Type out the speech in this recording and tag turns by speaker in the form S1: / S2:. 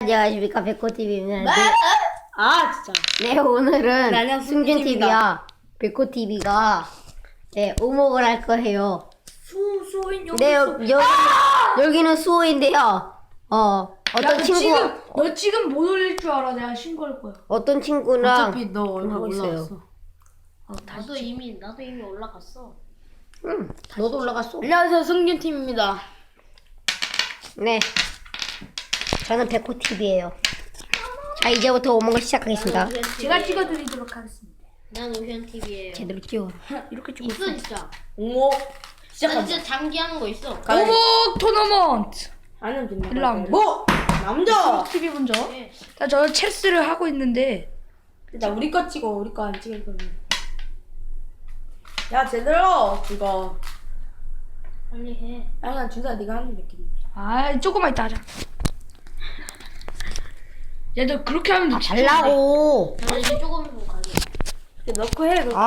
S1: 안녕하십니까, 백호TV입니다.
S2: 아 진짜.
S1: 네, 오늘은
S2: 안녕,
S1: 승준TV야 백호TV가 네, 오목을 할 거예요.
S2: 수호인 여기.
S1: 네, 여기는 수호인데요. 어떤 친구,
S2: 너 지금 못 올릴 줄 알아. 내가 신고할 거야.
S1: 어떤 친구랑
S2: 어차피 너 얼굴
S1: 하고 있어요.
S2: 올라갔어.
S3: 나도 이미 올라갔어.
S1: 응, 너도 올라갔어.
S2: 안녕하세요, 승균 팀입니다.
S1: 네, 저는 백호TV예요. 자, 이제부터 오목을 시작하겠습니다.
S2: 제가 찍어드리도록 하겠습니다.
S3: 난 오션 TV예요.
S1: 제대로 찍어.
S2: 이렇게 찍고
S3: 있어 진짜.
S2: 오모
S3: 나
S2: 시작합니다.
S3: 진짜 장기 하는 거 있어.
S2: 오목 토너먼트. 아니면 된다. 1라운드. 뭐? 남자. TV 먼저.
S3: 네.
S2: 자, 저 체스를 하고 있는데. 일단 우리 거 찍어. 우리 거 안 찍을 거면. 야, 제대로 그거.
S3: 빨리 해.
S2: 아니야, 준사 네가 하는 게 낫겠네. 아, 조금만 이따 하자. 야, 너 그렇게 하면 너
S1: 달라고.
S3: 나 이제 조금 가게.
S2: 넣고 해.